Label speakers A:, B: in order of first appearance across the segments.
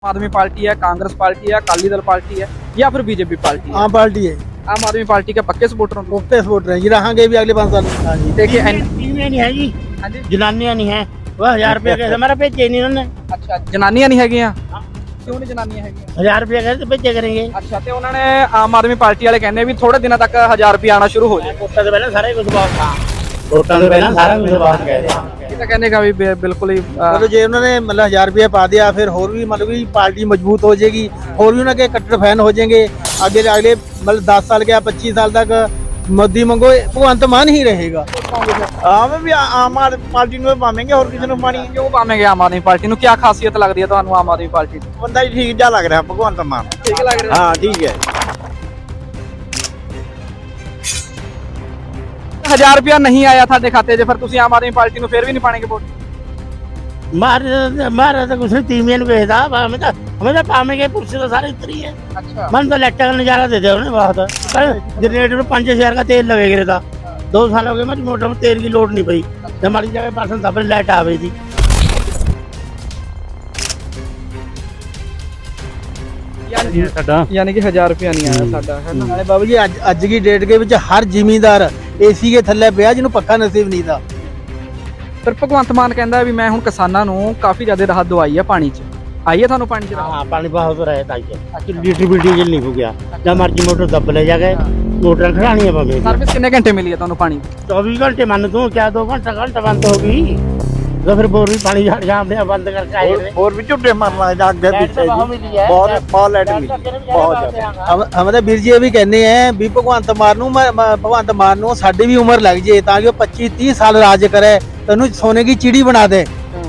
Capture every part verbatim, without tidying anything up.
A: आदमी पार्टी है, कांग्रेस पार्टी है, अकाली दल पार्टी है या फिर बीजेपी पार्टी है?
B: आम पार्टी है।
A: आम आदमी पार्टी के पक्के सपोर्टर हो?
B: पक्के सपोर्टर हैं जी, रहेंगे भी अगले पाँच साल। हाँ जी।
A: देखिए एन-
C: तीन नहीं है जी,
A: हाँ जी।
C: जनानियां नहीं है। वह हजार रुपया कैसे हमारा भेजे नहीं उन्होंने।
A: अच्छा जनानियां नहीं हैगियां? क्यों नहीं जनानियां हैगियां?
C: हजार रुपया कैसे भेजे करेंगे।
A: अच्छा ਤੇ ਉਹਨਾਂ ਨੇ ਆਮ ਆਦਮੀ ਪਾਰਟੀ ਵਾਲੇ ਕਹਿੰਦੇ ਵੀ ਥੋੜੇ ਦਿਨਾਂ ਤੱਕ ਹਜ਼ਾਰ ਰੁਪਏ ਆਣਾ ਸ਼ੁਰੂ ਹੋ ਜਾਏ।
C: ਵੋਟਾਂ ਤੋਂ ਪਹਿਲਾਂ ਸਾਰਾ ਕੁਝ ਬਾਤ ਥਾ ਵੋਟਾਂ ਤੋਂ ਪਹਿਲਾਂ ਸਾਰਾ ਕੁਝ ਬਾਤ ਕਹਿ ਰਹੇ
A: ਇਹ ਤਾਂ ਕਹਿੰਦੇ का भी बे- बिल्कुल ही अ,
B: चलो जे उन्होंने मतलब हजार रुपया पा दिया, फिर और भी मतलब कि पार्टी मजबूत हो जाएगी, और भी उनके कट्टर फैन हो जाएंगे। आगे अगले मतलब दस साल के पच्चीस साल तक मोदी मंगो भगवंत मान ही रहेगा।
D: ਆਮ ਵੀ ਆਮ ਆਦਮੀ ਪਾਰਟੀ ਨੂੰ ਪਾਵਾਂਗੇ, ਹੋਰ ਕਿਸੇ ਨੂੰ ਪਾਣੀ।
A: ਕਿਉਂ ਪਾਵੇਂਗੇ ਆਮ ਆਦਮੀ ਪਾਰਟੀ ਨੂੰ? ਕੀ ਖਾਸੀਅਤ ਲੱਗਦੀ ਹੈ ਤੁਹਾਨੂੰ ਆਮ ਆਦਮੀ ਪਾਰਟੀ ਦੀ?
D: ਬੰਦਾ ਜੀ ਠੀਕ ਜਾ ਲੱਗ ਰਿਹਾ ਭਗਵੰਤ ਮਾਨ।
A: ਠੀਕ ਲੱਗ ਰਿਹਾ?
D: ਹਾਂ ਠੀਕ ਹੈ।
A: ਹਜ਼ਾਰ ਰੁਪਇਆ ਨਹੀਂ ਆਇਆ ਤੁਹਾਡੇ ਖਾਤੇ 'ਚ, ਫਿਰ ਤੁਸੀਂ ਆਮ ਆਦਮੀ ਪਾਰਟੀ ਨੂੰ ਫਿਰ ਵੀ ਨਹੀਂ ਪਾਣਗੇ ਵੋਟ?
C: ਮਾਰ ਮਾਰ ਤਾਂ ਕੁਛ ਨਹੀਂ ਤੀਵੀਆਂ ਨੂੰ ਵੇਚਦਾ ਹमें ਤਾਂ हमें ਤਾਂ ਪਾਵਾਂਗੇ ਪੁਰਸ਼ ਤਾਂ ਸਾਰੇ ਇਤਰੀ है।
A: अच्छा
C: मन तो लाइट का नजारा दे दिया उन्हें बहुत। जनरेटर में पाँच हजार का तेल लगेगा रहता। दो साल हो गए मेरी मोटर में तेल की लोड नहीं पई। हमारी जगह परसों तब लाइट आ गई थी।
A: यानी कि हजार रुपया नहीं आया साडा है ना।
B: नाले बाबू जी अज अज की डेट के विच हर जिमीदार एसी के थल्ले पिया जिन्होंने पक्का नसीब नहीं था।
A: ਫਿਰ ਭਗਵੰਤ ਮਾਨ ਕਹਿੰਦਾ ਵੀ ਮੈਂ ਹੁਣ ਕਿਸਾਨਾਂ ਨੂੰ ਕਾਫੀ ਜ਼ਿਆਦਾ ਰਾਹਤ ਦਵਾਈ ਹੈ ਪਾਣੀ 'ਚ। ਆਈ ਹੈ ਤੁਹਾਨੂੰ ਪਾਣੀ 'ਚ ਰਾਹਤ?
C: हाँ पानी बहुत रहता है। लीटर भी डीजल नहीं हो गया। जब मर्जी मोटर दब ले जाए मोटर खड़ानी है पवे।
A: ਸਰਵਿਸ ਕਿੰਨੇ ਘੰਟੇ ਮਿਲੀ ਹੈ ਤੁਹਾਨੂੰ ਪਾਣੀ ਦੀ?
C: चौबीस घंटे मान तू क्या दो घंटा घंटा बंद होगी तो फिर बोर भी पानी झाड़ झाड़ बंद करके आए थे।
D: ਹੋਰ ਵੀ ਝੁੱਟੇ ਮਾਰਨ ਲੱਗ ਅੱਗੇ
C: लाइट
D: ਪਿੱਛੇ
C: तो बहुत
D: ਜੀ
C: मिली है।
D: ਬਹੁਤ ਬਹੁਤ ਲਾਈਟ ਮਿਲੀ ਬਹੁਤ ਜ਼ਿਆਦਾ।
B: हम हम तो वीर जी ये भी कहने हैं भी भगवंत मान नू म- म- भगवंत मान नू साडी भी उम्र लग जाए ताकि वो पच्चीस तीस साल राज करे, तेनू सोने की चिड़ी बना दे।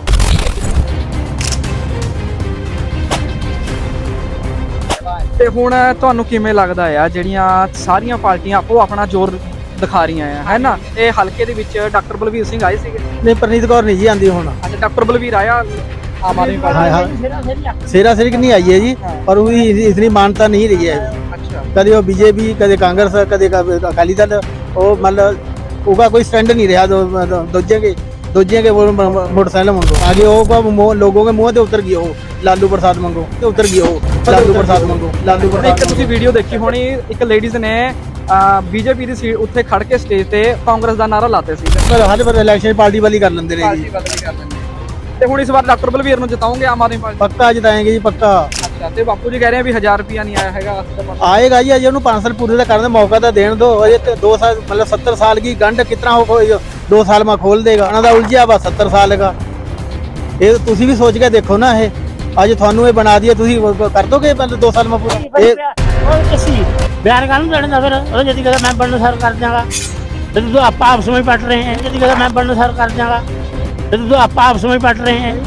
A: ਤੇ ਹੁਣ ਤੁਹਾਨੂੰ ਕਿਵੇਂ ਲੱਗਦਾ ਆ ਜਿਹੜੀਆਂ ਸਾਰੀਆਂ ਪਾਰਟੀਆਂ ਆਪੋ ਆਪਣਾ ਜ਼ੋਰ ਦਿਖਾ ਰਹੀਆਂ ਆ ਹੈ ਨਾ? ਇਹ ਹਲਕੇ ਦੇ ਵਿੱਚ ਡਾਕਟਰ ਬਲਵੀਰ ਸਿੰਘ ਆਏ ਸੀਗੇ।
B: नहीं परनीत कौर नहीं जी आंदी होना।
A: ਅੱਛਾ ਡਾਕटर ਬਲਵੀਰ ਆਇਆ ਆਮ ਆਦਮੀ
B: हाँ
A: ਪਾਰਟੀ?
B: हाँ सेरा सिर नहीं आई है जी, पर वो इतनी मानता नहीं रही है।
A: ਅੱਛਾ
B: कदे वो बीजेपी कदे कांग्रेस कदे अकाली दल, वो मतलब उसका कोई स्टैंड नहीं रहा। दो दो- दूजे के दूजे के वो म- म- मोटरसाइकिल मंगो आगे वो को मुंह- लोगों के मुंह से उतर गई हो लालू प्रसाद मंगो ते उतर गई हो लालू प्रसाद मंगो लालू
A: ਇੱਕ
B: प्रसाद
A: ਤੁਸੀਂ ਵੀਡੀਓ ਦੇਖੀ ਹੋਣੀ, ਇੱਕ ਲੇਡੀਜ਼ ਨੇ ਬੀਜੇਪੀ ਦੀ ਸੀਟ ਉੱਥੇ ਖੜ ਕੇ ਸਟੇਜ ਤੇ ਕਾਂਗਰਸ ਦਾ ਨਾਰਾ ਲਾਤੇ ਸੀ।
B: पर हर बार इलेक्शन पार्टी वाली कर लेंदे रहे जी।
A: ਬਦਲੀ ਕਰ ਦਿੰਦੇ ਤੇ ਹੁਣ ਇਸ ਵਾਰ ਡਾਕਟਰ ਬਲਵੀਰ ਨੂੰ ਜਿਤਾਉਂਗੇ ਆਮ ਆਦਮੀ ਪਾਰਟੀ?
B: पक्का जिताएंगे जी पक्का।
A: ਅੱਛਾ ਤੇ ਬਾਪੂ ਜੀ ਕਹਿ ਰਹੇ ਆ ਵੀ ਹਜ਼ਾਰ ਰੁਪਿਆ ਨਹੀਂ ਆਇਆ ਹੈਗਾ।
B: आएगा जी, अजय उन्होंने पाँच साल पूरे का करने मौका तो देने दो। अजय तो दो साल मतलब सत्तर साल की गंढ कितना हो कोई दो साल में खोल देगा। उन्होंने तो उलझिया बस सत्तर साल का। ये तुसी भी सोच के देखो ना, ये अज थानू ये बना दिया, तुसी कर दोगे मतलब दो साल में पूरा? ये
C: और किसी बयान कानून देना फिर और यदि कहता मैं बनने सर कर दूंगा तो तो आप आपस में पट रहे हैं। यदि कहता मैं बनने सर कर दूंगा तो तो आप आपस में पट रहे हैं।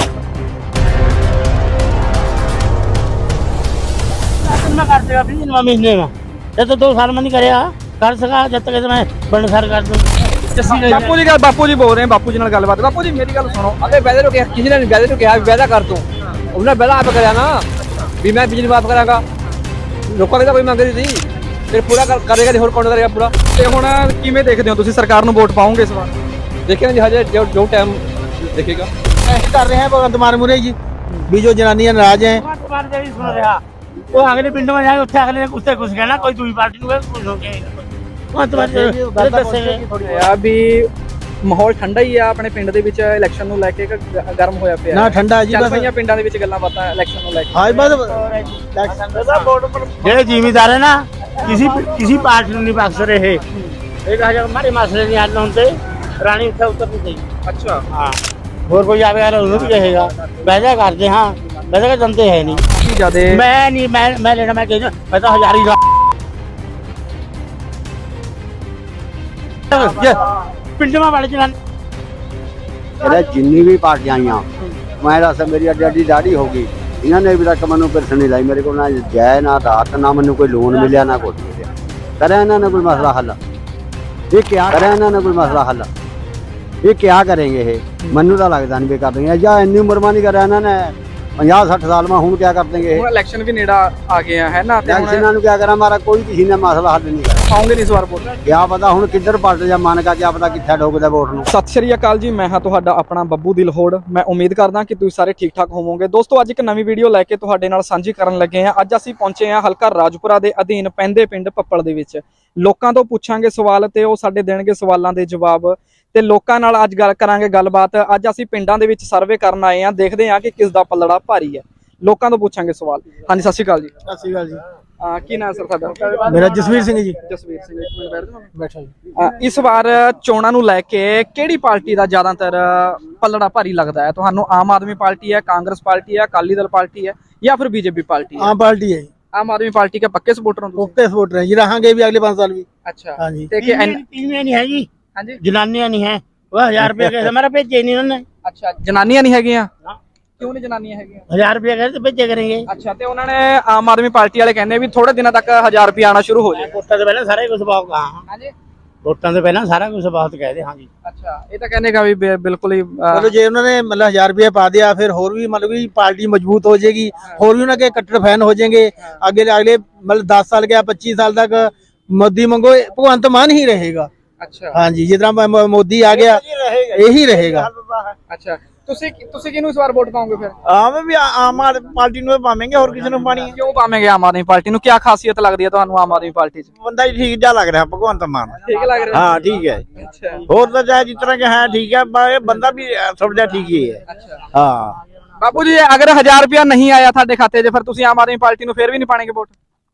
C: मैं कर देगा फिर नौ महीने में ये तो दो साल में नहीं करेगा कर सका जब तक मैं बनने सर कर दूँ।
A: ਬਾਪੂ ਜੀ ਗੱਲ ਬਾਪੂ ਜੀ ਬੋਲ ਰਹੇ ਆ, ਬਾਪੂ ਜੀ ਨਾਲ ਗੱਲਬਾਤ। ਬਾਪੂ ਜੀ ਮੇਰੀ ਗੱਲ ਸੁਣੋ।
E: अबे वैदा तो क्या किसी ने वैदा तो क्या वैदा कर तू उन्हें वैदा आप कराया ना भी मैं बिजली माफ करागा लोगों की तो कोई मंग रही थी फिर पूरा कर, करेगा नहीं, होर कौन करेगा पूरा।
A: ਤੇ ਹੁਣ ਕਿਵੇਂ ਦੇਖਦੇ ਹੋ ਤੁਸੀਂ? ਸਰਕਾਰ ਨੂੰ ਵੋਟ ਪਾਉਂਗੇ ਇਸ ਵਾਰ?
E: देखेंगे जी हजे जो जो टाइम देखेगा।
B: ऐसे कर रहे हैं भगवंत मान मुरे जी भी जो जनानियां नाराज हैं।
C: तुम्हारे देवी सुन रहा वो अगले पिंड में जाएंगे उससे अगले उससे कुछ कहना कोई दूसरी पार्टी को कुछ हो गया वहाँ तुम्हारे दसेंगे
A: ਆ ਵੀ ਮਾਹੌਲ ਠੰਡਾ ਹੀ ਆ ਆਪਣੇ ਪਿੰਡ ਦੇ ਵਿੱਚ ਇਲੈਕਸ਼ਨ ਨੂੰ ਲੈ ਕੇ ਕਿ ਗ- ਗਰਮ ਹੋਇਆ ਪਿਆ?
B: ना ठंडा जी
A: ਚੱਲ
B: बस।
A: ਪਈਆਂ ਪਿੰਡਾਂ ਦੇ ਵਿੱਚ ਗੱਲਾਂ ਬਾਤਾਂ ਇਲੈਕਸ਼ਨ ਨੂੰ ਲੈ ਕੇ।
B: हाँ बस
C: ये जिम्मेदार है ना किसी किसी पार्टी को नहीं बख्श रहे। एक हजार हमारे मसले नहीं हल होते रानी उठा उतर नहीं चाहिए।
A: ਅੱਛਾ
C: हाँ और कोई आवेगा उन्हें भी कहेगा वैसा करते हाँ वैसा का जनते है नहीं।
A: ਕੀ ਜਿਆਦੇ
C: मैं नहीं मैं मैं लेना मैं कह मैं तो हजार ही पिंड में बड़े चलान
F: ਇਹਦਾ ਜਿੰਨੀ ਵੀ ਪਾਰਟੀਆਂ ਆਈਆਂ ਮੈਂ ਦੱਸ ਮੇਰੀ ਅੱਡੀ ਅੱਡੀ ਦਾੜੀ ਹੋ ਗਈ। ਇਹਨਾਂ ਨੇ ਵੀ ਤੱਕ ਮੈਨੂੰ ਪੈਨਸ਼ਨ ਨਹੀਂ ਲਾਈ ਮੇਰੇ ਕੋਲ, ਨਾ ਜੈ ਨਾ ਰਾਤ, ਨਾ ਮੈਨੂੰ ਕੋਈ ਲੋਨ ਮਿਲਿਆ ਨਾ ਕੁਛ ਮਿਲਿਆ। ਕਰਿਆ ਇਹਨਾਂ ਨੇ ਕੋਈ ਮਸਲਾ ਹੱਲ? ਇਹ ਕਿਆ ਕਰਿਆ ਇਹਨਾਂ ਨੇ ਕੋਈ ਮਸਲਾ ਹੱਲ? ਇਹ ਕਿਆ ਕਰਨਗੇ ਇਹ? ਮੈਨੂੰ ਤਾਂ ਲੱਗਦਾ ਨਹੀਂ ਵੀ ਕਰ ਦੇਣਗੇ ਜਾਂ ਇੰਨੀ ਉਮਰ ਮਾ ਨਹੀਂ ਕਰਿਆ ਇਹਨਾਂ ਨੇ। पचास साठ साल में हूँ क्या कर देंगे
A: ਹੁਣ ਇਲੈਕਸ਼ਨ ਵੀ ਨੇੜਾ ਆ ਗਏ ਆ ਹੈ ਨਾ ਤੇ ਹੁਣ
F: इलेक्शन क्या करा हमारा कोई किसी ने मसला हल नहीं करा
A: ਪਾਉਂਗੇ ਨਹੀਂ ਇਸ ਵਾਰ ਵੋਟ।
F: क्या पता हूँ किधर पलट जा मन का क्या पता कितना ठोकदा वोट नूं।
A: ਸਤਿ ਸ਼੍ਰੀ ਅਕਾਲ ਜੀ, ਮੈਂ ਹਾਂ ਤੁਹਾਡਾ ਆਪਣਾ ਬੱਬੂ ਦਿਲਹੋੜ। ਮੈਂ ਉਮੀਦ ਕਰਦਾ ਕਿ ਤੁਸੀਂ ਸਾਰੇ ਠੀਕ ਠਾਕ ਹੋਵੋਗੇ। ਦੋਸਤੋ ਅੱਜ ਇੱਕ ਨਵੀਂ ਵੀਡੀਓ ਲੈ ਕੇ ਤੁਹਾਡੇ ਨਾਲ ਸਾਂਝੀ ਕਰਨ ਲੱਗੇ ਹਾਂ। ਅੱਜ ਅਸੀਂ ਪਹੁੰਚੇ ਹਾਂ ਹਲਕਾ ਰਾਜਪੁਰਾ ਦੇ ਅਧੀਨ ਪੈਂਦੇ ਪਿੰਡ ਪੱਪਲ ਦੇ ਵਿੱਚ। ਲੋਕਾਂ ਤੋਂ ਪੁੱਛਾਂਗੇ ਸਵਾਲ ਤੇ ਉਹ ਸਾਡੇ ਦੇਣਗੇ ਸਵਾਲਾਂ ਦੇ ਜਵਾਬ ਤੇ ਲੋਕਾਂ ਨਾਲ ਅੱਜ ਗੱਲ ਕਰਾਂਗੇ ਗੱਲਬਾਤ। ਅੱਜ ਅਸੀਂ ਪਿੰਡਾਂ ਦੇ ਵਿੱਚ ਸਰਵੇ ਕਰਨ ਆਏ ਹਾਂ, ਦੇਖਦੇ ਹਾਂ ਕਿ ਕਿਸ ਦਾ ਪੱਲੜਾ ਭਾਰੀ ਹੈ। ਲੋਕਾਂ ਤੋਂ ਪੁੱਛਾਂਗੇ ਸਵਾਲ। ਹਾਂਜੀ ਸਤਿ ਸ਼੍ਰੀ ਅਕਾਲ ਜੀ।
B: ਸਤਿ ਸ਼੍ਰੀ ਅਕਾਲ ਜੀ।
A: ਅਹ ਕੀ ਨਾਮ ਸਰ ਤੁਹਾਡਾ?
B: ਮੇਰਾ ਜਸਵੀਰ ਸਿੰਘ ਜੀ।
A: ਜਸਵੀਰ ਸਿੰਘ, ਇੱਕ ਮਿੰਟ ਬੈਠ ਜਾਓ।
B: ਬੈਠਾ ਜੀ।
A: ਅਹ ਇਸ ਵਾਰ ਚੋਣਾਂ ਨੂੰ ਲੈ ਕੇ ਕਿਹੜੀ ਪਾਰਟੀ ਦਾ ਜ਼ਿਆਦਾਤਰ ਪੱਲੜਾ ਭਾਰੀ ਲੱਗਦਾ ਹੈ ਤੁਹਾਨੂੰ? ਆਮ ਆਦਮੀ ਪਾਰਟੀ ਹੈ, ਕਾਂਗਰਸ ਪਾਰਟੀ ਹੈ, ਅਕਾਲੀ ਦਲ ਪਾर्टी है या फिर बीजेपी पार्टी है?
B: आम पार्टी है।
A: आम आदमी पार्टी के पक्के सपोर्टर हो तुम?
B: ओके सपोर्टर हैं जी, रहेंगे भी अगले पाँच साल भी।
A: अच्छा
B: हाँ जी।
A: ते कि एन-
C: तीन नहीं है जी,
A: हाँ जी।
C: जनानियां नहीं है। वह हजार रुपया कैसे हमारा भेजे नहीं उन्होंने।
A: अच्छा जनानियां नहीं हैगियां? क्यों नहीं जनानियां हैगियां?
C: हजार रुपया कैसे भेजे करेंगे।
A: अच्छा ते उन्होंने आम आदमी पार्टी वाले कहने भी थोड़े दिनों तक हजार रुपया आना शुरू हो जाए।
C: वोटां तो पहले सारा कुछ बहुत कहा।
A: हाँ जी।
C: वोटां तो पहले सारा कुछ बहुत कहते। हाँ जी।
A: अच्छा ये तो कहने का भी बि- बिल्कुल ही अ,
B: चलो जे उन्होंने मतलब हजार रुपया पा दिया, फिर और भी मतलब कि पार्टी मजबूत हो जाएगी, और भी उनके कट्टर फैन हो जाएंगे। आगे अगले मतलब दस साल के पच्चीस साल तक मोदी मंगो भगवंत मान ही रहेगा।
A: अच्छा
B: हाँ जी, जितना म- म- मोदी आ गया यही रहेगा।
A: अच्छा ਤੁਸੀਂ ਤੁਸੀਂ ਕਿਹਨੂੰ ਇਸ ਵਾਰ ਵੋਟ ਪਾਓਗੇ ਫਿਰ?
D: ਆਵੇਂ ਵੀ ਆਮ ਆਦਮੀ ਪਾਰਟੀ ਨੂੰ ਪਾਵਾਂਗੇ, ਹੋਰ ਕਿਸੇ ਨੂੰ ਪਾਣੀ ਹੈ।
A: ਕਿਉਂ ਪਾਵੇਂਗੇ ਆਮ ਆਦਮੀ ਪਾਰਟੀ ਨੂੰ? ਕੀ ਖਾਸੀਅਤ ਲੱਗਦੀ ਹੈ ਤੁਹਾਨੂੰ ਆਮ ਆਦਮੀ ਪਾਰਟੀ 'ਚ?
D: ਬੰਦਾ ਹੀ ਠੀਕ ਜਾ ਲੱਗ ਰਿਹਾ ਭਗਵੰਤ ਮਾਨ।
A: ਠੀਕ ਲੱਗ ਰਿਹਾ?
D: ਹਾਂ ਠੀਕ ਹੈ।
A: ਅੱਛਾ
D: ਹੋਰ ਤਾਂ ਚਾਹੇ ਜਿਸ ਤਰ੍ਹਾਂ ਕਿ ਹੈ ਠੀਕ ਹੈ, ਪਰ ਇਹ ਬੰਦਾ ਵੀ ਥੋੜਾ ਜਿਹਾ ਠੀਕ ਹੀ ਹੈ।
A: ਅੱਛਾ
D: ਹਾਂ
A: ਬਾਪੂ ਜੀ ਅਗਰ ਹਜ਼ਾਰ ਰੁਪਇਆ ਨਹੀਂ ਆਇਆ ਤੁਹਾਡੇ ਖਾਤੇ 'ਚ ਫਿਰ ਤੁਸੀਂ ਆਮ ਆਦਮੀ ਪਾਰਟੀ ਨੂੰ ਫਿਰ ਵੀ ਨਹੀਂ ਪਾਣਗੇ ਵੋਟ?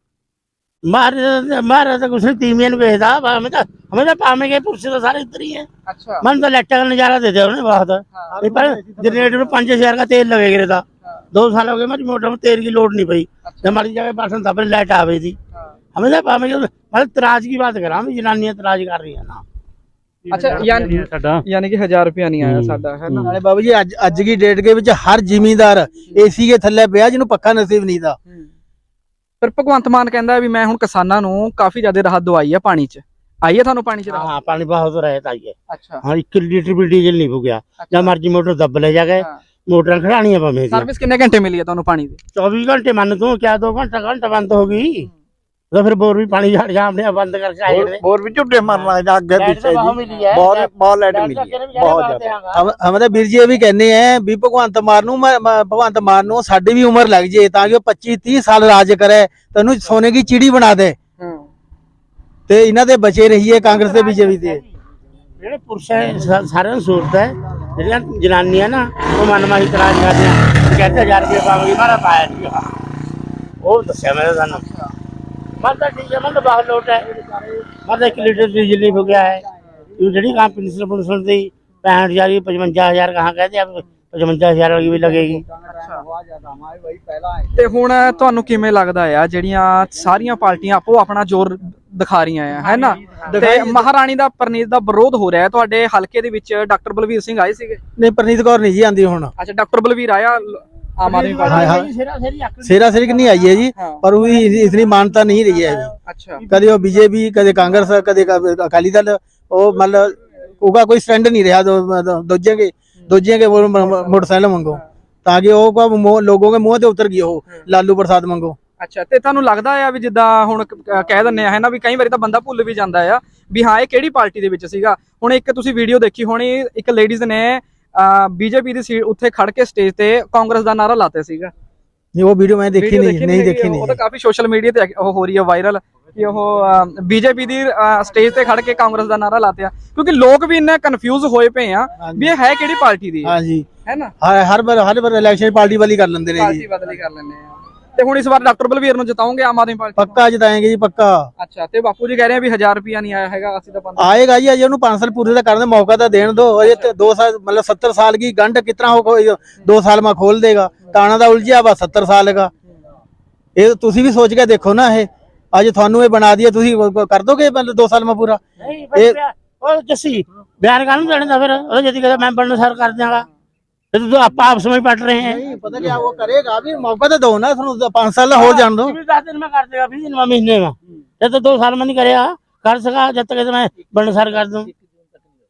C: मारे मारे तो कुछ नहीं, तीमिया भेजता हमें तो हमें तो पामे के पुरुष तो सारे इधर ही है।
A: अच्छा
C: मन तो लाइटा का नजारा देते उन्हें बहुत। नहीं पर जनरेटर में पाँच हजार का तेल लगेगा था। दो साल हो गए मेरी मोटर में तेल की लोड नहीं पई। जब हमारी जगह बर्तन था लाइट आ गई थी। हमें तो पामे के मतलब तराज की बात करा, हम जनानियां तराज कर रही है ना।
A: अच्छा यानी यानी कि हजार रुपया नहीं आया साडा है ना।
B: नाले बाबू जी अज अज की डेट के विच हर जिमीदार एसी के थल्ले पिया जिन्हों पक्का नसीब नहीं था।
A: ਪਰ ਭਗਵੰਤ ਮਾਨ ਕਹਿੰਦਾ ਵੀ ਮੈਂ ਹੁਣ ਕਿਸਾਨਾਂ ਨੂੰ ਕਾਫੀ ਜ਼ਿਆਦਾ ਰਾਹਤ ਦਵਾਈ ਹੈ ਪਾਣੀ 'ਚ। ਆਈ ਹੈ ਤੁਹਾਨੂੰ ਪਾਣੀ 'ਚ ਰਾਹਤ?
C: हाँ पानी बहुत रहता है।
A: अच्छा
C: हाँ एक लीटर भी डीजल नहीं हो गया। जब मर्जी मोटर दब ले जाके मोटर खड़ानी है पमे
A: ਸਰਵਿਸ ਕਿੰਨੇ ਘੰਟੇ ਮਿਲੀ ਹੈ ਤੁਹਾਨੂੰ ਪਾਣੀ ਦੀ?
C: चौबीस घंटे मान तू क्या दो घंटा घंटा बंद होगी तो फिर बोर भी पानी झाड़ जा अपने बंद करके आए थे।
D: ਹੋਰ ਵੀ ਝੁੱਟੇ ਮਾਰਨ ਲੱਗ ਜਾ ਅੱਗੇ
C: लाइट
D: ਪਿੱਛੇ
C: तो बहुत
D: ਜੀ
C: मिली है।
D: ਬਹੁਤ ਬਹੁਤ ਲਾਈਟ ਮਿਲੀ
C: लाइट
D: ਹੈ,
C: तो
D: ਬਹੁਤ
C: बात
D: ਜ਼ਿਆਦਾ।
C: है।
B: हम हम तो ਵੀਰ ਜੀ ਇਹ ਵੀ ਕਹਿੰਦੇ ਆ ਵੀ ਭਗਵੰਤ ਮਾਨ ਨੂੰ ਮ- ਮ- ਭਗਵੰਤ ਮਾਨ ਨੂੰ ਸਾਡੀ ਵੀ ਉਮਰ ਲੱਗ ਜੇ ਤਾਂ ਕਿ ਉਹ ਪੱਚੀ ਤੀਹ ਸਾਲ ਰਾਜ ਕਰੇ, ਤੈਨੂੰ ਸੋਨੇ ਦੀ ਚਿੜੀ ਬਣਾ ਦੇ ਤੇ ਇਹਨਾਂ ਦੇ ਬਚੇ ਰਹੀਏ ਕਾਂਗਰਸ ਤੇ ਬੀਜੇਪੀ ਤੇ।
C: ਜਿਹੜੇ ਪੁਰਸ਼ ਹੈ ਸਾ- ਸਾਰਿਆਂ ਨੂੰ ਸਹੂਲਤ ਹੈ। ਜਿਹੜੀਆਂ ਜਨਾਨੀਆਂ ਨਾ ਉਹ ਮਨਮਾਨੀ ਇਤਰਾਜ਼ ਕਰਦੇ ਆ, ਕਹਿੰਦੇ ਹਜ਼ਾਰ ਰੁਪਏ ਪਾਵਾਂਗੇ, ਮਾਰਾ ਪਾਇਆ ਨਹੀਂ। ਉਹ ਦੱਸਿਆ ਮੈਂ ਤੁਹਾਨੂੰ। ਮੈਂ ਤਾਂ ਠੀਕ ਹੈ, ਮੈਂ ਤਾਂ ਬਾਹਰ ਲੋਟ ਹੈ। ਮੈਂ ਤਾਂ ਇੱਕ ਲੀਟਰ ਡੀਜ਼ਲ ਨਹੀਂ ਹੋ ਗਿਆ ਹੈ। ਇਹ ਜਿਹੜੀ ਕੰਮ पेंशन पेंशन दी पैंठ हजार पचवंजा हजार कहाँ कहते हैं, पचवंजा हजार वाली भी लगेगी।
A: ਤੇ ਹੁਣ ਤੁਹਾਨੂੰ ਕਿਵੇਂ ਲੱਗਦਾ ਆ ਜਿਹੜੀਆਂ ਸਾਰੀਆਂ ਪਾਰਟੀਆਂ ਆਪੋ ਆਪਣਾ ਜ਼ੋਰ ਦਿਖਾ ਰਹੀਆਂ ਆ ਹੈ ਨਾ, ਤੇ ਮਹਾਰਾਣੀ ਦਾ ਪ੍ਰਨੀਤ ਦਾ ਵਿਰੋਧ ਹੋ ਰਿਹਾ ਹੈ ਤੁਹਾਡੇ ਹਲਕੇ ਦੇ ਵਿੱਚ? ਡਾਕਟਰ ਬਲਵੀਰ ਸਿੰਘ ਆਏ ਸੀਗੇ?
B: ਨਹੀਂ ਪ੍ਰਨੀਤ ਕੌਰ ਨਹੀਂ ਜੀ ਆਂਦੀ ਹੁਣ।
A: ਅੱਛਾ ਡਾਕਟਰ ਬਲਵੀਰ ਆਇਆ ਆਮ ਆਦਮੀ
B: हाँ,
A: पार्टी?
B: हाँ।
C: सिरा सिरी आकर
B: सेरा सिरक नहीं आई है जी,
A: हाँ।
B: पर वो इतनी मानता नहीं रही है अभी।
A: अच्छा
B: कदे वो बीजेपी कदे कांग्रेस कदे अकाली दल, वो मतलब उनका कोई स्टैंड नहीं रहा। दो दूजे के दूजे के वो मोटरसाइकिल मंगो ताकि वो का मुंह- लोगों के मुंह ते उतर गई हो लालू प्रसाद मंगो।
A: ਅੱਛਾ ਤੇ ਤੁਹਾਨੂੰ ਲੱਗਦਾ ਆ ਵੀ ਜਿੱਦਾਂ ਹੁਣ ਕ- ਕ- ਕਹਿ ਦਿੰਦੇ ਆ ਹੈ ਨਾ ਵੀ ਕਈ ਵਾਰੀ ਤਾਂ ਬੰਦਾ ਭੁੱਲ ਵੀ ਜਾਂਦਾ ਆ ਵੀ ਹਾਂ ਇਹ ਕਿਹੜੀ ਪਾਰਟੀ ਦੇ ਵਿੱਚ ਸੀਗਾ। ਹੁਣ ਇੱਕ ਤੁਸੀਂ ਵੀਡੀਓ ਦੇਖੀ ਹੋਣੀ, ਇੱਕ ਲੇਡੀਜ਼ ਨੇ ਬੀਜੇਪੀ ਦੀ ਸੀਟ ਉੱਥੇ ਖੜ ਕੇ ਸਟੇਜ ਤੇ ਕਾਂਗਰਸ ਦਾ ਨਾਰਾ ਲਾਤੇ ਸੀਗਾ।
B: नहीं वो वीडियो मैंने देखी
A: Video
B: नहीं नहीं
A: ਹੈਗੀ,
B: देखी
A: ਉਹ
B: नहीं।
A: ਤਾਂ ਕਾਫੀ ਸੋਸ਼ਲ ਮੀਡੀਆ ਤੇ ਉਹ ਹੋ ਰਹੀ ਹੈ ਵਾਇਰਲ ਕਿ ਉਹ ਬੀਜੇਪੀ ਦੀ ਸਟੇਜ ਤੇ ਖੜ ਕੇ ਕਾਂਗਰਸ ਦਾ ਨਾਰਾ ਲਾਤੇ ਆ, ਕਿਉਂਕਿ ਲੋਕ ਵੀ ਇੰਨਾ ਕਨਫਿਊਜ਼ ਹੋਏ ਪਏ ਆ ਵੀ ਇਹ ਹੈ ਕਿਹੜੀ ਪਾਰਟੀ ਦੀ
B: हाँ जी,
A: ਹੈ ਨਾ।
B: हर हर बार हर बार इलेक्शन पार्टी वाली कर लेंगे ने
A: ਪਾਰਟੀ
B: जी।
A: ਬਦਲੀ ਕਰ ਲੈਂਦੇ ਆ। ਤੇ ਹੁਣ ਇਸ ਵਾਰ ਡਾਕਟਰ ਬਲਵੀਰ ਨੂੰ ਜਿਤਾਉਂਗੇ ਆਮ ਆਦਮੀ ਪਾਰਟੀ?
B: पक्का जिताएंगे जी पक्का।
A: ਅੱਛਾ ਤੇ ਬਾਪੂ ਜੀ ਕਹਿ ਰਹੇ ਆ ਵੀ ਹਜ਼ਾਰ ਰੁਪਿਆ ਨਹੀਂ ਆਇਆ ਹੈਗਾ, ਅਸੀਂ ਤਾਂ ਬੰਦ।
B: आएगा जी, अजय पांच साल पूरे का करने मौका तो देने दो। अजय तो दो साल मतलब सत्तर साल की गंढ कितना हो दो साल में खोल देगा। ताना दा उलझिया बस सत्तर साल का। ये तुसी भी सोच के देखो ना, ये अज थानू ये बना दिया, तुसी कर दोगे मतलब दो साल में पूरा?
C: नहीं बस और जैसी बयान कानून देने दा फिर और यदि कहता मैं बनना सर कर देगा तो तो आप आपस में पट रहे हैं।
B: नहीं पता क्या वो करेगा, अभी मौका तो दो ना, पांच साल हो जान दो।
C: दस दिन में कर देगा, बीस दिन में महीने में। जब तो दो साल में नहीं करेगा कर सका, जब तक मैं बनना सर कर दूं।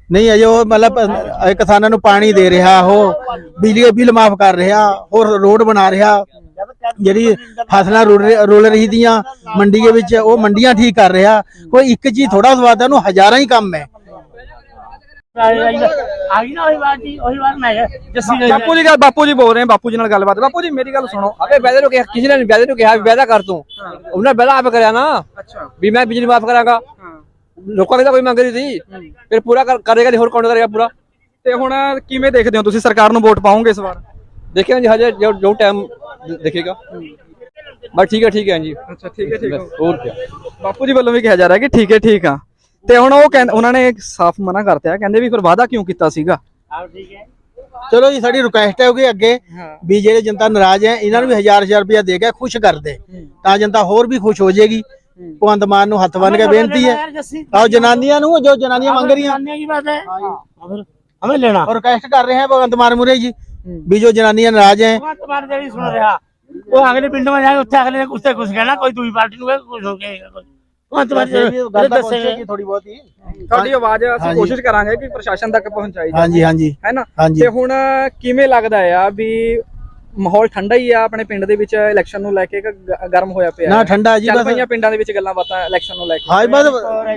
B: ਨਹੀਂ ਅਜੇ ਉਹ ਮਤਲਬ ਅ, ਕਿਸਾਨਾਂ ਨੂੰ ਪਾਣੀ ਦੇ ਰਿਹਾ, ਉਹ ਬਿਜਲੀ ਦੇ ਬਿੱਲ ਮਾਫ ਕਰ ਰਿਹਾ, ਹੋਰ ਰੋਡ ਬਣਾ ਰਿਹਾ, ਜਿਹੜੀ ਫਸਲਾਂ ਰੁਲ ਰਹੀ- ਰੁਲ ਰਹੀ ਦੀਆਂ ਮੰਡੀ ਦੇ ਵਿੱਚ ਉਹ ਮੰਡੀਆਂ ਠੀਕ ਕਰ ਰਿਹਾ। ਕੋਈ ਇੱਕ ਚੀਜ਼ ਥੋੜਾ ਸਵਾਦਾ ਨੂੰ ਹਜ਼ਾਰਾਂ ਹੀ ਕੰਮ ਹੈ।
C: ਆ ਗਈ ਨਾ ਉਹੀ ਬਾਤ ਜੀ, ਉਹੀ ਬਾਤ ਮੈਂ ਕਿਹਾ ਜੱਸੀ ਗਈ
A: ਬਾਪੂ ਜੀ ਗੱਲ ਬਾਪੂ ਜੀ ਬੋਲ ਰਹੇ ਆ, ਬਾਪੂ ਜੀ ਨਾਲ ਗੱਲਬਾਤ। ਬਾਪੂ ਜੀ ਮੇਰੀ ਗੱਲ ਸੁਣੋ।
E: ਅਬੇ ਵੈਦੇ ਨੂੰ ਕਿਹਾ, ਕਿਸੇ ਨੇ ਵੈਦੇ ਨੂੰ ਕਿਹਾ ਵੀ ਵੈਦਾ ਕਰ ਤੂੰ, ਉਹਨੇ ਵੈਦਾ ਆਪ ਕਰਿਆ ਨਾ
A: ਅੱਛਾ
E: ਵੀ ਮੈਂ ਬਿਜਲੀ ਮਾਫ ਕਰਾਂਗਾ। ਲੋਕਾਂ ਦੀ ਤਾਂ ਕੋਈ ਮੰਗ ਰਹੀ ਸੀ, ਫਿਰ ਪੂਰਾ ਕਰ- ਕਰੇਗਾ ਨਹੀਂ, ਹੋਰ ਕੌਣ ਕਰੇਗਾ ਪੂਰਾ।
A: ਤੇ ਹੁਣ ਕਿਵੇਂ ਦੇਖਦੇ ਹੋ ਤੁਸੀਂ, ਸਰਕਾਰ ਨੂੰ ਵੋਟ ਪਾਓਗੇ ਇਸ ਵਾਰ?
E: ਦੇਖਿਆ ਜੀ ਹਜੇ ਜੋ ਜੋ ਟਾਈਮ ਦੇਖੇਗਾ। ਬਸ ਠੀਕ ਹੈ ਠੀਕ ਹੈ ਜੀ।
A: ਅੱਛਾ ਠੀਕ ਹੈ ਠੀਕ ਹੈ।
E: ਹੋਰ ਕੀ।
A: ਬਾਪੂ ਜੀ ਵੱਲੋਂ ਵੀ ਕਿਹਾ ਜਾ ਰਿਹਾ ਕਿ ਠੀਕ ਹੈ ਠੀਕ ਆ। ਤੇ ਹੁਣ ਉਹ ਕਹਿੰਦੇ, ਉਹਨਾਂ ਨੇ ਸਾਫ਼ ਮਨਾ ਕਰਤਾ, ਕਹਿੰਦੇ ਵੀ ਫਿਰ ਵਾਅਦਾ ਕਿਉਂ ਕੀਤਾ ਸੀਗਾ।
B: ਚਲੋ ਜੀ, ਸਾਡੀ ਰਿਕੁਐਸਟ ਹੈ ਕਿ ਅੱਗੇ ਵੀ ਜਿਹੜੇ ਜਨਤਾ ਨਾਰਾਜ਼ ਹੈ ਇਹਨਾਂ ਨੂੰ ਵੀ ਹਜ਼ਾਰ ਹਜ਼ਾਰ ਰੁਪਇਆ ਦੇ ਕੇ ਖੁਸ਼ ਕਰ ਦੇ, ਤਾਂ ਜਨਤਾ ਹੋਰ ਵੀ ਖੁਸ਼ ਹੋ ਜਾਏਗੀ। ਭਗਵੰਤ ਮਾਨ ਨੂੰ ਹੱਥ ਬੰਨ ਕੇ ਬੇਨਤੀ ਹੈ, ਆਓ ਜਨਾਨੀਆਂ ਨੂੰ, ਜੋ ਜਨਾਨੀਆਂ ਮੰਗ ਰਹੀਆਂ
C: की बात है, हमें लेना
B: और रिक्वेस्ट कर रहे हैं भगवंत मान मुरे जी भी जो जनानियां नाराज हैं।
C: तुम्हारे देरी सुन रहा वो अगले पिंड में जाएंगे, उससे अगले उससे कुछ कहना, कोई दूसरी पार्टी को कुछ हो गया।
B: थोड़ी बहुत ही
A: ਤੁਹਾਡੀ ਆਵਾਜ਼ ਅਸੀਂ
B: ਹਾਂਜੀ।
A: ਕੋਸ਼ਿਸ਼ ਕਰਾਂਗੇ ਕਿ ਪ੍ਰਸ਼ਾਸਨ ਤੱਕ ਪਹੁੰਚਾਈ
B: हाँ जी हाँ जी
A: ਹੈ ਨਾ।
B: हाँ जी
A: ਤੇ ਹੁਣ ਕਿਵੇਂ ਲੱਗਦਾ ਆ ਵੀ ਮਾਹੌਲ ਠੰਡਾ ਹੀ ਆ ਆਪਣੇ ਪਿੰਡ ਦੇ ਵਿੱਚ ਇਲੈਕਸ਼ਨ ਨੂੰ ਲੈ ਕੇ, ਕਿ ਗ- ਗਰਮ ਹੋਇਆ ਪਿਆ
B: ना
A: ਹੈ?
B: ठंडा जी
A: ਚੱਲ
B: बस
A: ਪਈਆਂ ਪਿੰਡਾਂ ਦੇ ਵਿੱਚ ਗੱਲਾਂ ਬਾਤਾਂ ਇਲੈਕਸ਼ਨ ਨੂੰ ਲੈ ਕੇ।
B: हाँ बस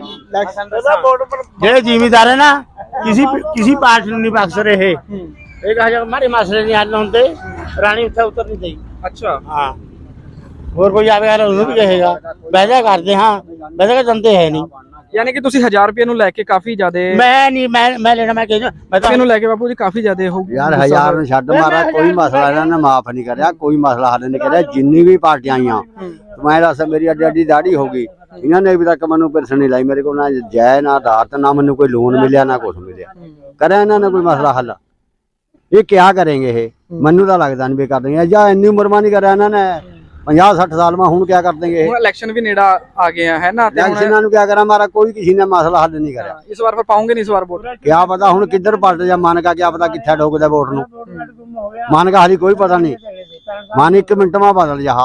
C: ਜਿਹੜੇ ਜ਼ਿਮੀਦਾਰ ਹੈ ਨਾ, ਕਿਸੇ ਕਿਸੇ ਪਾਰਟੀ ਨੂੰ ਨਹੀਂ ਬਖਸ਼ ਰਹੇ। ਇਹ ਕਹਾ ਜਾ ਮਾਰੇ ਮਸਲੇ ਨਹੀਂ ਹੱਲ ਹੁੰਦੇ, ਰਾਣੀ ਉੱਥੇ ਉਤਰ ਨਹੀਂ ਦੇਈ।
A: ਅੱਛਾ
C: ਹਾਂ, ਹੋਰ ਕੋਈ ਆਵੇਗਾ ਉਹਨੂੰ ਵੀ ਕਹੇਗਾ ਵੈਦਾ ਕਰਦੇ ਹਾਂ, ਵੈਦਾ ਕਰ ਦਿੰਦੇ ਹੈ ਨਹੀਂ।
A: ਯਾਨੀ ਕਿ ਤੁਸੀਂ ਹਜ਼ਾਰ ਰੁਪਏ ਨੂੰ ਲੈ ਕੇ ਕਾਫੀ ਜ਼ਿਆਦੇ,
C: ਮੈਂ ਨਹੀਂ ਮੈਂ ਮੈਂ ਲੈਣਾ, ਮੈਂ ਕਹਿੰਦਾ ਮੈਂ ਤਾਂ
A: ਇਹਨੂੰ ਲੈ ਕੇ ਬਾਪੂ ਜੀ ਕਾਫੀ ਜ਼ਿਆਦੇ ਹੋ
F: ਯਾਰ ਹਜ਼ਾਰ ਨੂੰ ਛੱਡ ਮਾਰਾ, ਕੋਈ ਮਸਲਾ ਇਹਨਾਂ ਨੇ ਮਾਫ ਨਹੀਂ ਕਰਿਆ, ਕੋਈ ਮਸਲਾ ਹੱਲ ਨਹੀਂ ਕਰਿਆ। ਜਿੰਨੀ ਵੀ ਪਾਰਟੀਆਂ ਆਈਆਂ, ਮੈਂ ਦੱਸ ਮੇਰੀ ਅੱਡੀ ਅੱਡੀ ਦਾੜੀ ਹੋ ਗਈ, ਇਹਨਾਂ ਨੇ ਅਭੀ ਤੱਕ ਮੈਨੂੰ ਪੈਨਸ਼ਨ ਨਹੀਂ ਲਾਈ। ਮੇਰੇ ਕੋਲ ਨਾ ਜੈ ਨਾ ਆਧਾਰ, ਨਾ ਮੈਨੂੰ ਕੋਈ ਲੋਨ ਮਿਲਿਆ, ਨਾ ਕੁਝ ਮਿਲਿਆ। ਕਰਿਆ ਇਹਨਾਂ ਨੇ ਕੋਈ ਮਸਲਾ ਹੱਲ? ਇਹ ਕਿਆ ਕਰਨਗੇ? ਇਹ ਮੈਨੂੰ ਤਾਂ ਲੱਗਦਾ ਨਹੀਂ ਵੀ ਕਰ ਦੇਣਗੇ। ਜਾਂ ਇੰਨੀ ਉਮਰ ਮਾ ਨਹੀਂ ਕਰਿਆ ਇਹਨਾਂ ਨੇ, ਪੰਜਾਹ ਸੱਠ ਸਾਲ ਮਾ, ਹੁਣ ਕਿਆ ਕਰ ਦੇਣਗੇ ਇਹ?
A: ਹੁਣ ਇਲੈਕਸ਼ਨ ਵੀ ਨੇੜਾ ਆ ਗਏ ਆ, ਹੈ ਨਾ। ਤੇ ਹੁਣ
F: ਇਲੈਕਸ਼ਨਾਂ ਨੂੰ ਕਿਆ ਕਰਾਂ ਮਾਰਾ, ਕੋਈ ਕਿਸੇ ਨੇ ਮਸਲਾ ਹੱਲ ਨਹੀਂ ਕਰਿਆ।
A: ਇਸ ਵਾਰ ਫਿਰ ਪਾਉਂਗੇ ਨਹੀਂ ਇਸ ਵਾਰ ਵੋਟ?
F: ਕਿਆ ਪਤਾ ਹੁਣ ਕਿੱਧਰ ਪਲਟ ਜਾ ਮਨ ਕਾ, ਕਿਆ ਪਤਾ ਕਿੱਥੇ ਡੋਕਦਾ ਵੋਟ ਨੂੰ। ਮਨ ਕਾ ਹਾਲੀ ਕੋਈ ਪਤਾ ਨਹੀਂ, ਮਨ ਇੱਕ ਮਿੰਟ ਮਾ ਬਦਲ ਜਾ।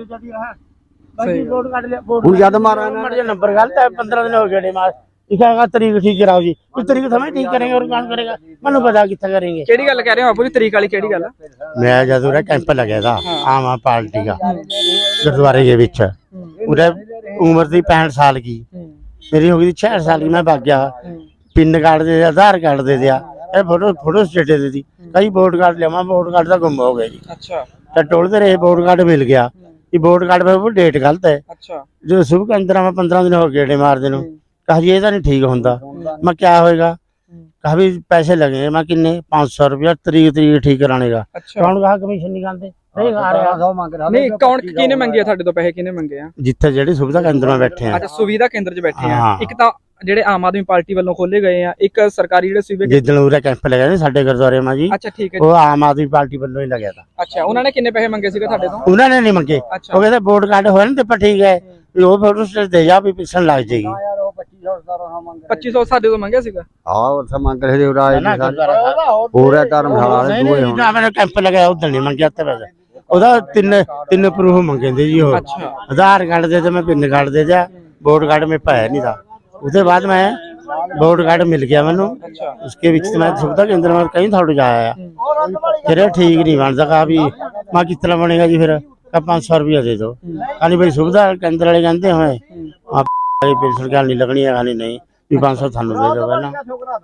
C: ਵੋਟ ਕੱਢ ਲਿਆ,
F: ਹੁਣ ਜਦ ਮਾਰਾ ਇਹਨਾਂ
C: नंबर नंबर गलत है, पंद्रह दिन हो गए मार लिखा तरीक ठीक कराओ जी, कुछ तरीक समय ठीक करेंगे और कौन करेगा, मनु पता कितना करेंगे।
A: ਕਿਹੜੀ ਗੱਲ ਕਹਿ ਰਹੇ ਹੋ ਬਾਪੂ ਜੀ, ਤਰੀਕ ਵਾਲੀ ਕਿਹੜੀ ਗੱਲ?
C: मैं जब उरा कैंप लगे था आम आदमी पार्टी का गुरुद्वारे के बीच, उरे उम्र थी पैंठ साल की, मेरी हो गई थी छियासठ साल की। मैं भाग गया, पिन कार्ड दे दिया, आधार कार्ड दे दिया, फोटो फोटो स्टेट दे दी, कई वोट कार्ड लिया, मैं वोट कार्ड था गुम हो गया जी।
A: ਅੱਛਾ
C: तो टोलते रहे, वोट कार्ड मिल गया, ये वोट कार्ड पे वो डेट गलत है।
A: ਅੱਛਾ
C: जो सुबह के अंदर मैं पंद्रह दिन हो गए मार दिन, कहा जी ये तो नहीं ठीक होता। मैं क्या होएगा, कहा भी पैसे लगे, मैं किन्ने पाँच सौ रुपया तरीक तरीक ठीक कराने का।
A: ਅੱਛਾ
C: कौन कहा कमीशन निकालते नहीं खा रहा,
A: ਨਹੀਂ ਕੌਣ ਕਿਹਨੇ ਮੰਗੇ ਆ ਤੁਹਾਡੇ ਤੋਂ ਪੈਸੇ, ਕਿਹਨੇ ਮੰਗੇ ਆ?
C: जिथे जेडी सुविधा केंद्र में बैठे हैं।
A: ਅੱਛਾ ਸੁਵਿਧਾ ਕੇਂਦਰ 'ਚ ਬੈਠੇ ਆ।
C: ਹਾਂ।
A: ਇੱਕ ਤਾਂ ਜਿਹੜੇ ਆਮ ਆਦਮੀ ਪਾਰਟੀ ਵੱਲੋਂ ਖੋਲੇ ਗਏ ਆ, ਇੱਕ ਸਰਕਾਰੀ ਜਿਹੜੇ ਸੂਬੇ।
C: जिदन उरे कैंप लगे ने साडे गुरुद्वारे में जी,
A: ਅੱਛਾ ਠੀਕ ਹੈ
C: वो आम आदमी पार्टी वालों ही लगे था।
A: ਅੱਛਾ ਉਹਨਾਂ ਨੇ ਕਿੰਨੇ ਪੈਸੇ ਮੰਗੇ ਸੀਗੇ ਤੁਹਾਡੇ ਤੋਂ?
C: उन्होंने नहीं मंगे,
A: अच्छा।
C: वो कहते वोट कार्ड होए ना तो ठीक है, वो फोटो स्टेट दे जा भी पेंशन लग जाएगी।
A: ਪੱਚੀ ਸੌ ਸਾਡੇ ਤੋਂ ਮੰਗਿਆ ਸੀਗਾ।
F: ਹਾਂ ਉੱਥੇ ਮੰਗ ਰਹੇ ਸੀ ਉਰਾ
C: ना गुरुद्वारा साहब
F: ਪੂਰੇ ਧਰਮਸ਼ਾਲਾ ਵਾਲੇ ਦੂਏ ਹੁਣ
C: ना मैंने कैंप लगाया उधर नहीं मंगे ते पैसे, ਉਹਦਾ ਤਿੰਨ ਤਿੰਨ ਪ੍ਰੂਫ ਮੰਗਦੇ ਜੀ। ਉਹ
A: ਅੱਛਾ
C: आधार कार्ड दे दे, मैं पिन कार्ड दे दिया, वोट कार्ड में पाया नहीं था। उसके बाद मैं वोट कार्ड मिल गया मैनू,
A: ਅੱਛਾ
C: उसके बीच मैं सुविधा केंद्र में कहीं थोड़ा जाया, फिर ठीक नहीं बनता। कहा भी मैं कितना बनेगा जी, फिर कहा पाँच सौ रुपया दे दो। कहानी भाई सुविधा केंद्र वाले कहते हमें पेंशन क्या नहीं लगनी है, कहानी नहीं भी पाँच सौ थानू दे दो पहला।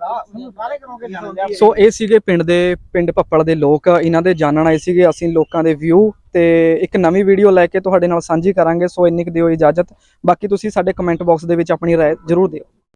A: ਸੋ ਇਹ ਸੀਗੇ ਪਿੰਡ ਦੇ ਪਿੰਡ ਭੱਪਲ ਦੇ ਲੋਕ, ਇਹਨਾਂ ਦੇ ਜਾਣਨ ਆਏ ਸੀਗੇ ਅਸੀਂ ਲੋਕਾਂ ਦੇ ਵਿਊ, ਤੇ ਇੱਕ ਨਵੀਂ ਵੀਡੀਓ ਲੈ ਕੇ ਤੁਹਾਡੇ ਨਾਲ ਸਾਂਝੀ ਕਰਾਂਗੇ। ਸੋ ਇੰਨੀ ਕੁ ਦਿਓ ਇਜਾਜ਼ਤ, ਬਾਕੀ ਤੁਸੀਂ ਸਾਡੇ ਕਮੈਂਟ ਬਾਕਸ ਦੇ ਵਿੱਚ ਆਪਣੀ ਰਾਏ ਜ਼ਰੂਰ ਦਿਓ।